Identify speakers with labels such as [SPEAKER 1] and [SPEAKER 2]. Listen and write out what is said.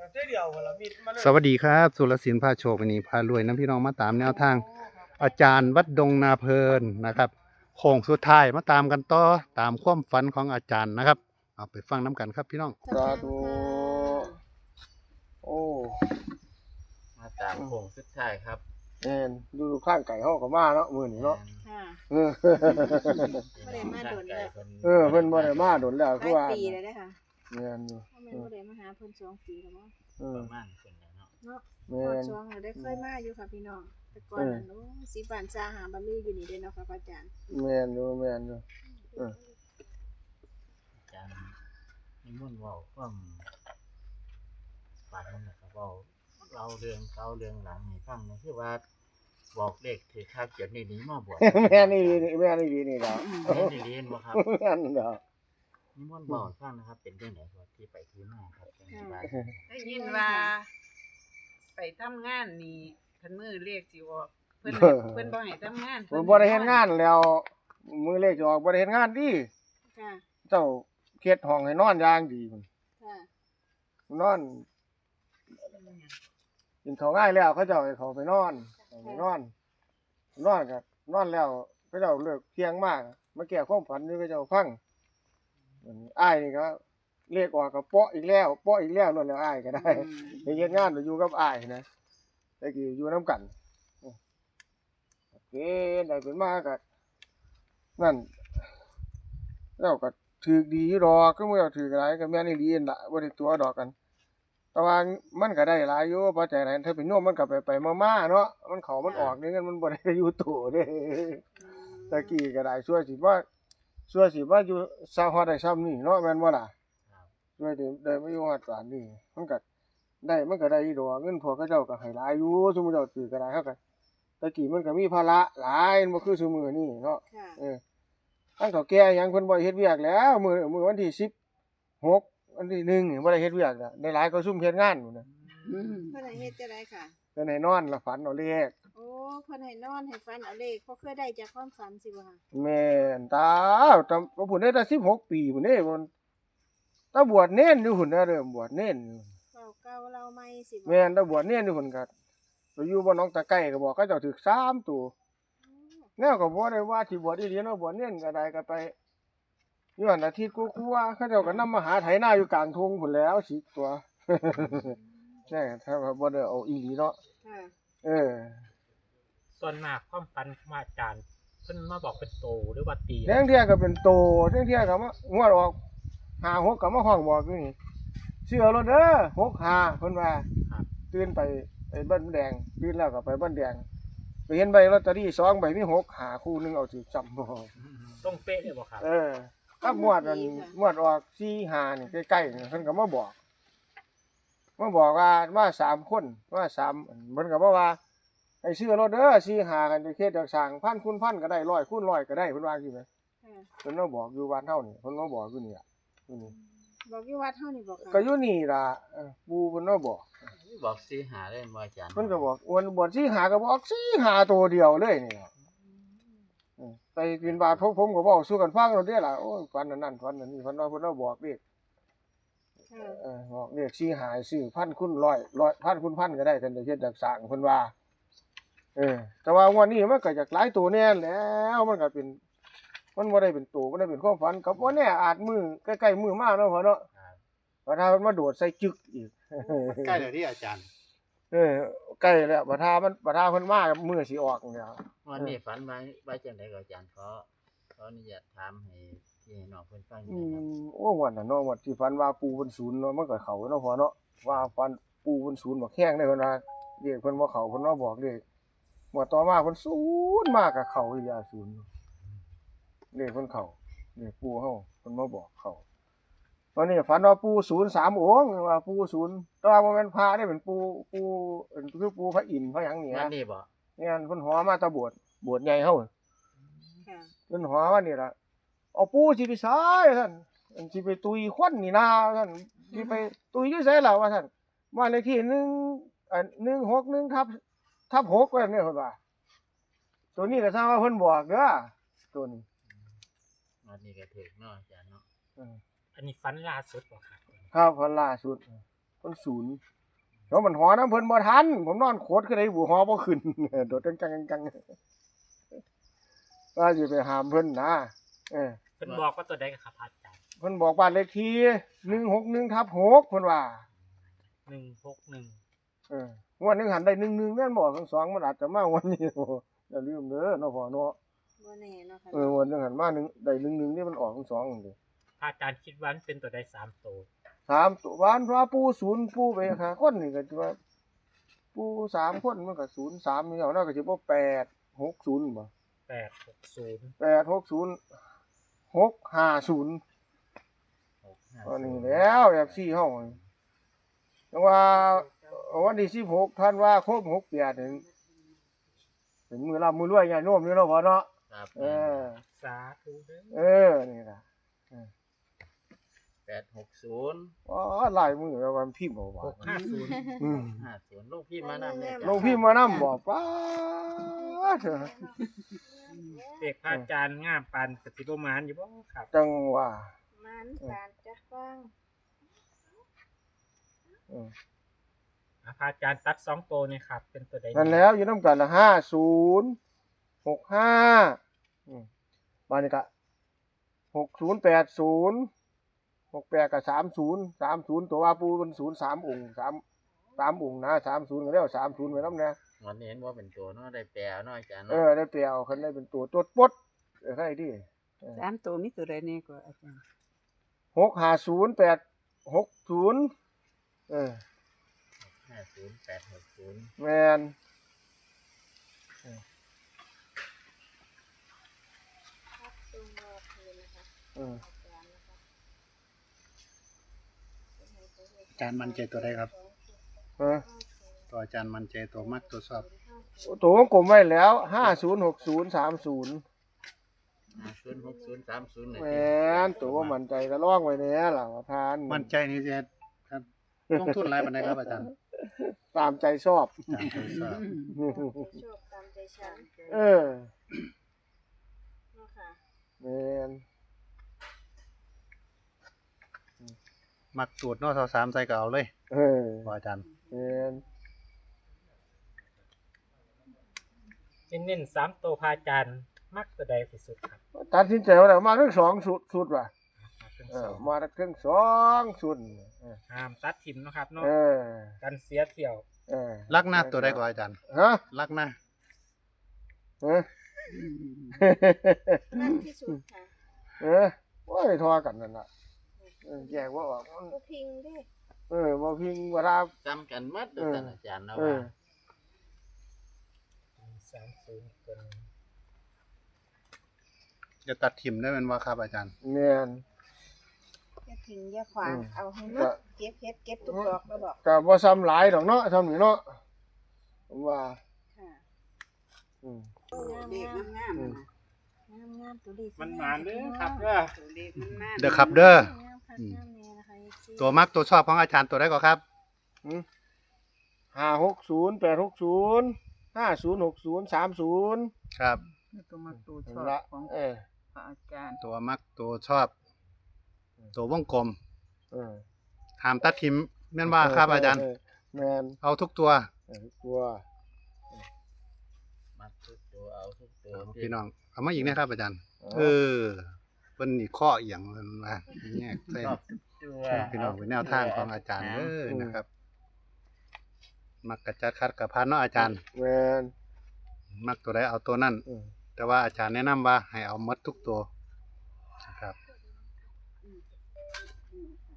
[SPEAKER 1] สวัสดีครับสุรศิลป์พาโชควันนี้พารวยน้ำพี่น้องมาตามแนวทางอาจารย์วัดดงนาเพลินนะครับโค้งสุดท้ายมาตามกันต่อตามความฝันของอาจารย์นะครับเอาไปฟังน้ำกันครับพี่น้อง
[SPEAKER 2] สาธุโอ้
[SPEAKER 3] มาตามโค้งสุดท้ายครับ
[SPEAKER 2] แม่นดูข้างไก่เฮาก็มาเนาะมื้อนี้เนาะ
[SPEAKER 4] ค่ะ
[SPEAKER 2] เออ
[SPEAKER 4] บ่ได้มาโดนแล้ว
[SPEAKER 2] เพิ่นบ่ได้มาโดนแล้วคือว่า
[SPEAKER 4] ปีแล้วเด้อค่ะ
[SPEAKER 2] แม่นอยู่
[SPEAKER 4] บ่แม่นบ่ได้มาหาเพิ่น2 ปีแล้วบ่
[SPEAKER 3] ประมาณคนแล้วเนาะ
[SPEAKER 4] เนาะ
[SPEAKER 2] แม่น
[SPEAKER 4] 2แล้วได้เคยมาอยู่ค่ะพี่น้องแต่ก่อนนั้นโอ้สิบ้านซาหาบลืออยู่นี่เด้เนาะค่ะพระอาจารย์
[SPEAKER 2] แม่นอยู่แม่นอยู่
[SPEAKER 3] อาจารย์นิมนต์เว้าความฝันนะครับเว้าเราเรื่องเก่าเรื่องหลังให้ฟังนี่คือว่าบอกเลขถือคักจนนี่หนีมาบวช
[SPEAKER 2] แม่นอีหลีนี่แม่นอีหลีนี่ดอก
[SPEAKER 3] แม่นอีหลีบ่ครับ
[SPEAKER 2] แม่นดอก
[SPEAKER 3] นิมนต์เว้าให้ฟังนะครับเป็นจังได๋ครับที่ไปที่มาครับจังสิว่า
[SPEAKER 5] ได้ยินว่าไปทำงานนี่เพิ่นมือเลขสิออกเพิ่นบ่ให้ทำงาน
[SPEAKER 2] ผมบ่ได้เฮ็ดงานแล้วมื้อเลขจะออกบ่ได้เฮ็ดงานดิ
[SPEAKER 4] ค่ะ
[SPEAKER 2] เจ้าเฮ็ดห้องให้นอนอย่างดีพุ่น
[SPEAKER 4] ค่ะ
[SPEAKER 2] นอนกินข้าวง่ายแล้วเขาเจ้าให้เขาไปนอนนอนก็นอนแล้วเขาเจ้าเลิกเที่ยงมากมาแก้ความฝันนี่เขาเจ้าฟังอ้ายนี่ก็เลขออกก็เปาะอีกแล้วนั่นแล้วอ้ายก็ได้ไปเฮ็ดงานอยู่กับอ้ายนะแต่กี้อยู่นํกันโอเคได้เป็นมาก็นั่นแล้วก็ถูกดีอยู่ดอกก็บ่เอาถูกหลายก็แม่นอีหลีนั่นล่ะบ่ได้ตัวดอกกันแต่ว่ามันก็ได้หลายอยู่ปัจจัยนั้นถ้าเป็นโยมมันก็ไปๆมาๆเนาะมันเข้ามันออกนี่เงินมันบ่ได้อยู่โตเด้ตะกี้ก็ได้ชั่วสิว่าอยู่ซาฮอดได้ซ้ำนี่เนาะแม่นบ่ล่ะช่วยได้มาอยู่ฮอดปานนี้มันก็ได้อยู่ดอกเงินพวกเขาเจ้าก็ให้หลายอยู่ซุมื้อเจ้าซื้อก็ได้เฮาก็ตะกี้มันก็มีภาระหลายบ่คือซุมื้อนี้เนาะ
[SPEAKER 4] ค่ะ
[SPEAKER 2] ทั้งเฒ่าแก่หยังเพิ่นบ่ได้เฮ็ดเวียกแล้วมื้อวันที่16วันที่1นี่บ่ได้เฮ็ดเวียกแล้วได้หลายก็ซุ่มเฮ็ดงานพุ่นน่ะ
[SPEAKER 4] เพิ่นให้เฮ็ดจังได๋ค่ะ
[SPEAKER 2] เพิ่นให้นอนแล้วฝันเอาเลข
[SPEAKER 4] โอ้เพิ่นให้นอนให้ฝันเอาเลขบ่เคยได้จากความฝันสิบ่ค่ะ
[SPEAKER 2] แม่นตาตำพุ่นได้แต่16 ปีพุ่นเด้พุ่นตาบวชเน้นอยู่พุ่นน่ะเด้อบวชเน้นอยู่
[SPEAKER 4] เว้าเก่าเล่าใหม่สิบ่
[SPEAKER 2] แม่นตาบวชเน้นอยู่พุ่นก็ไปอยู่บ่หนองตะไคร้ก็บอกเขาเจ้าถึก3ตัวแนวก็บ่ได้ว่าสิบวชอีหลีเนาะบวชเน้นก็ได้ก็ไปอยู่หั่นอาทิตย์กว่าๆเขาเจ้าก็นำมาหาไถนาอยู่กลางทุ่งพุ่นแล้ว10ตัวแน่ถ้าว่าบ่ได้เอาอีหลีเนาะ
[SPEAKER 4] ค่ะ
[SPEAKER 2] เออ
[SPEAKER 6] ส่วนมากความฝันของอาจารย์เพิ่นมาบอกเป็นโตหรือว่าตี
[SPEAKER 2] แท้งเที่ยก็เป็นโตแท้งเที่ยก็มางวดออก5 6ก็มาห้องบอกอยู่นี่เชื่อรถเด้อ65เพิ่นว่าตื่นไปบ้านแดงตื่นแล้วก็ไปบ้านแดงไปเห็นใบลอตเตอรี่2ใบมี6หาคู่นึงเอาสิจำบ่
[SPEAKER 6] ต้องเป๊ะเลยบ่ครับ
[SPEAKER 2] ครับงวดนั้นงวดออก4 5นี่ใกล้ๆนี่เพิ่นก็มาบอกว่า3คนว่า3เพิ่นก็บอกว่าให้ซื้อรถเด้อ4 5กันจะเฮ็ดจักสร้างพันคูณพันก็ได้100คูณ100ก็ได้เพิ่นว่าจังซี่แหมเพิ่นมาบอกอยู่บ้านเฮานี่เพิ่นมาบอกอยู่นี่ล่ะอยู่นี่
[SPEAKER 4] บอกอยู่วัดเฮานี่บ่ค่ะ
[SPEAKER 2] ก็อยู่นี่ล่ะปู่เพิ่นมาบอก
[SPEAKER 3] สิหาได้บ่อาจารย์
[SPEAKER 2] เพิ่นก็บอกอ้วนบ่สิหาก็บอกสิหาตัวเดียวเลยนี่ล่ะไปบิณฑบาตผมก็เว้าสู่กันฟังแล้วเด้ล่ะโอ้ยฝันอันนั้นฝันอันนี้เพิ่นว่าเพิ่นมาบอกเลขบอกเลขสิหาซื้อพันคูณ100พันคูณพันก็ได้ท่านได้เฮ็ดจักสร้างเพิ่นว่าแต่ว่างวดนี้มันก็จากหลายตัวแน่แล้วมันก็เป็นมันบ่ได้เป็นตัวบ่ได้เป็นความฝันก็บ่แน่อาจมือใกล้ๆมือมาเนาะพ่อเนาะว่าถ้ามันมาโดดใส่จึกอีก
[SPEAKER 1] ใกล้แล้วที่อาจารย์
[SPEAKER 2] ใกล้แล้วบ่ถ้าเพิ่นมามือสิออกเนี่ย
[SPEAKER 3] วันนี้ฝันไว้จังได๋ก็อาจารย์ขออนุญาตถามให้พี่น้องเพิ่นฟังหน่อยครับ
[SPEAKER 2] โอ้วันน่ะเนาะวันที่ฝันว่าปู่เพิ่นศูนย์เนาะมันก็เข้าเนาะพ่อเนาะว่าฝันปู่เพิ่นศูนย์บ่แข้งได้เพิ่นว่าเรียกเพิ่นบ่เข้าเพิ่นมาบอกเลขบ่ต่อมาเพิ่นศูนย์มาก็เข้าอีหลีศูนย์เลขเพิ่นเข้าเลขปู่เฮาเพิ่นมาบอกเข้าตอนนี้ฝันว่าปู่ศูนย์3องค์ว่าปู่ศูนย์แต่ว่าบ่แม่นพระเด้เป็นปู่คือปู่พระอินทร์พระหยังนี่
[SPEAKER 3] นั่นนี่บ่
[SPEAKER 2] เนี่ยเพิ่นหอมาแตะบวชใหญ่เฮา
[SPEAKER 4] ค่ะ
[SPEAKER 2] เพิ่นหอมานี่ล่ะเอาปู่สิไปไสซั่นสิไปตุยควันนี่นาซั่นสิไปตุยอยู่ไสล่ะว่าซั่นบ้านเลขที่161ทับ6ว่าเนี่ยเพิ่นว่าตัวนี้ก็ทราบว่าเพิ่นบอกเด้อตัวนี้
[SPEAKER 3] วันนี้ก็ถูกเนาะอาจารย์เนาะ
[SPEAKER 6] อันนี้ฝันล่าสุดบ่ครับ
[SPEAKER 2] ครับฝันล่าสุดมันศูนย์แล้วมันหอน้ำเพิ่นบ่ทันผมนอนโคตรก็ได้บูหอบ่ขึ้น โดดจังว่าสิไปหามเพิ่นนะเออ
[SPEAKER 6] เพิ่นบอกว่าตัวใดครับอาจารย์
[SPEAKER 2] เพิ่นบอกบ้านเลขที่161/6เพิ่นว่า
[SPEAKER 6] 161
[SPEAKER 2] เอองวดหนึงหันได้11แม่นบ่ทั้งสองมันอาจจะมาวันนี้โอ้อย่าลืมเด้อเนาะพ่อเนาะ
[SPEAKER 4] บ่แน่เนาะค่ะ
[SPEAKER 2] งวดหนึงหันมา1ได้11นี่มันออกทั้งสองนั่นเด้
[SPEAKER 6] อาจารย์คิดว่ามันเป็นตัวใด3ตัว
[SPEAKER 2] 3ตัวบ้านว่าปู่0ปู่ไปหาคนนี่ก็สิว่าปู่3คนมันก็03นี่เอาเนาะก็สิบ่860บ่
[SPEAKER 6] 860
[SPEAKER 2] 860 650อันนี้แล้วแบบ4เฮาแต่ว่าวันที่16ธันวาคม68นี่เป็นมื้อร่ำมื้อรวยญาติโยมนี่เนาะพ่อเนาะ
[SPEAKER 3] ครับ
[SPEAKER 2] เออ
[SPEAKER 6] สาธุเด้อ
[SPEAKER 2] เออนี่ล่ะ
[SPEAKER 3] 860
[SPEAKER 2] อ๋อหลายมื้อแล้ววันพิมพ์บ่ว่า
[SPEAKER 6] 650
[SPEAKER 2] อืม
[SPEAKER 3] 50ลูกพี่มานำเนี่ย
[SPEAKER 2] ลงพิมพ์มานำบ่ป้าเถอะ
[SPEAKER 6] เด็กพระอาจารย์งามปานกสิประมาณอยู่บ่ครับ
[SPEAKER 2] จังว่า
[SPEAKER 4] มันการจะฟัง
[SPEAKER 2] เออ
[SPEAKER 6] พระอาจารย์ตัด2ตัวนี่ครับ เป็นตัวใด
[SPEAKER 2] นั่นแล้วอยู่นำกันละ50 65มานี่ก็60 80 68ก็30ตัวว่าปูมัน03องค์3องค์นะ30ก็แล้ว30ไว้นำแน่
[SPEAKER 3] วันนี้เห็นว่าเป็นตัวเนาะได้แปลเนาะอาจารย์
[SPEAKER 2] เอ
[SPEAKER 3] เนาะ
[SPEAKER 2] อได้เปรียวคันได้เป็นตัวตดปดใครดิ
[SPEAKER 5] 3ตัวมีตัวใดแน่กว่าอาจารย์
[SPEAKER 2] 650860
[SPEAKER 3] 50860
[SPEAKER 2] แมน
[SPEAKER 4] ครับตรงรอคืนนะคะ
[SPEAKER 2] เออ
[SPEAKER 1] อาจารย์มั่นใจตัวใดครับ
[SPEAKER 2] ฮะ
[SPEAKER 1] ตัวอาจารย์มั่นใจตัวมักตัวชอบ
[SPEAKER 2] ตัวของกลมไว้แล้ว506030
[SPEAKER 3] 506030
[SPEAKER 2] แมนตัวว่ามั่นใจก็ล่องไว้แน่ล่ะว่าทาน
[SPEAKER 1] มั่นใจนี่จะครับลงทุนหลายปานใดครับอาจารย์
[SPEAKER 2] ตามใจชอบ
[SPEAKER 1] ตามใจชอบ
[SPEAKER 4] ชอบตามใจฉัน
[SPEAKER 2] เออ
[SPEAKER 4] เนาะค่ะ
[SPEAKER 2] แมน
[SPEAKER 1] มักตูดเนาะ3ใส่ก็เอาเลย
[SPEAKER 2] เออ
[SPEAKER 1] ว่าอาจารย์
[SPEAKER 2] แมน
[SPEAKER 6] เน้นๆ3ตัวพระอาจารย์มักตัวใดที่สุดครับ
[SPEAKER 2] ตัดสินใจว่าแล้วมาทั้งสองสุดว่ะ
[SPEAKER 6] ทั้ง
[SPEAKER 2] เอ
[SPEAKER 6] ส
[SPEAKER 2] อ
[SPEAKER 6] อง
[SPEAKER 2] มาทั้งสองสุดเออ
[SPEAKER 6] ห้ามตัดทิมเนาะครับเนาะ
[SPEAKER 2] เออ
[SPEAKER 6] กันเสียเที่ยว
[SPEAKER 2] เออ
[SPEAKER 1] ลักหน้าตัวใดก็อาจารย์
[SPEAKER 2] ฮะ
[SPEAKER 1] ลักหน้า
[SPEAKER 2] เออ
[SPEAKER 4] มากที่สุดค่ะ
[SPEAKER 2] เออโอ้ยทอกันนั่นน่ะแยกว่าออกมัน
[SPEAKER 4] บ่พิงเด้
[SPEAKER 2] บ่พิงเวลา
[SPEAKER 3] ซ้ำกันหมดตัวอาจารย์เนาะ
[SPEAKER 2] เอ
[SPEAKER 3] ว่า
[SPEAKER 2] อ
[SPEAKER 6] 30ตัวนี้
[SPEAKER 1] จะตัดทิมได้แม่นว่าครับอาจารย์
[SPEAKER 2] แม่น
[SPEAKER 4] อย่าทิ้งอย่าขวาง
[SPEAKER 2] อืม
[SPEAKER 4] เอาให้หมดเก็บเฮ็ดเก็บทุกดอกแล้วบอก
[SPEAKER 2] ก็บ่ซ้ำหลายดอกเนาะซ้ำนี่เนาะผมว่า
[SPEAKER 4] ค่ะ
[SPEAKER 2] อืม
[SPEAKER 5] เด็กงาม
[SPEAKER 2] อืม
[SPEAKER 4] งามตัวเลข
[SPEAKER 6] มันหมานเด้อครับเด้อ
[SPEAKER 5] ๆตัวเล็กมันมาก
[SPEAKER 1] เด้อครับเด้อ
[SPEAKER 4] งามคักงามแน่นะคะ FC
[SPEAKER 1] ตัวมักตัวชอบของอาจารย์ตัวใดก็ครับ
[SPEAKER 2] 560 860 5060 30
[SPEAKER 1] ครับ
[SPEAKER 5] ตัวมาตัวช
[SPEAKER 2] นั่
[SPEAKER 5] อน บ
[SPEAKER 2] ละ
[SPEAKER 5] ของ
[SPEAKER 2] เออ
[SPEAKER 5] พระอาจารย์
[SPEAKER 1] ตัวมักตัวชอบ ตัววงกลม
[SPEAKER 2] เออ
[SPEAKER 1] ห้ามตัดทิมแม่นว่าครับอาจารย์
[SPEAKER 2] แม่น
[SPEAKER 1] เอาทุกตัว
[SPEAKER 2] ตัว
[SPEAKER 3] มัดทุกตัวเอาทุกตัว
[SPEAKER 1] พี่น้องเอามาอีกนะครับอาจารย์ เออเพิ่นนี่ข้อเอียงมันว่าแยกใส่
[SPEAKER 3] ชอบทุกตัว
[SPEAKER 1] พี่น้องเป็นแนวทางของอาจารย์เด้อนะครับ มักกะจัดคัดกับพันเนาะอาจารย์
[SPEAKER 2] แม่น
[SPEAKER 1] มักตัวใดเอาตัวนั้น
[SPEAKER 2] อืม
[SPEAKER 1] แต่ว่าอาจารย์แนะนำว่าให้เอาหมดทุกตัวนะครับ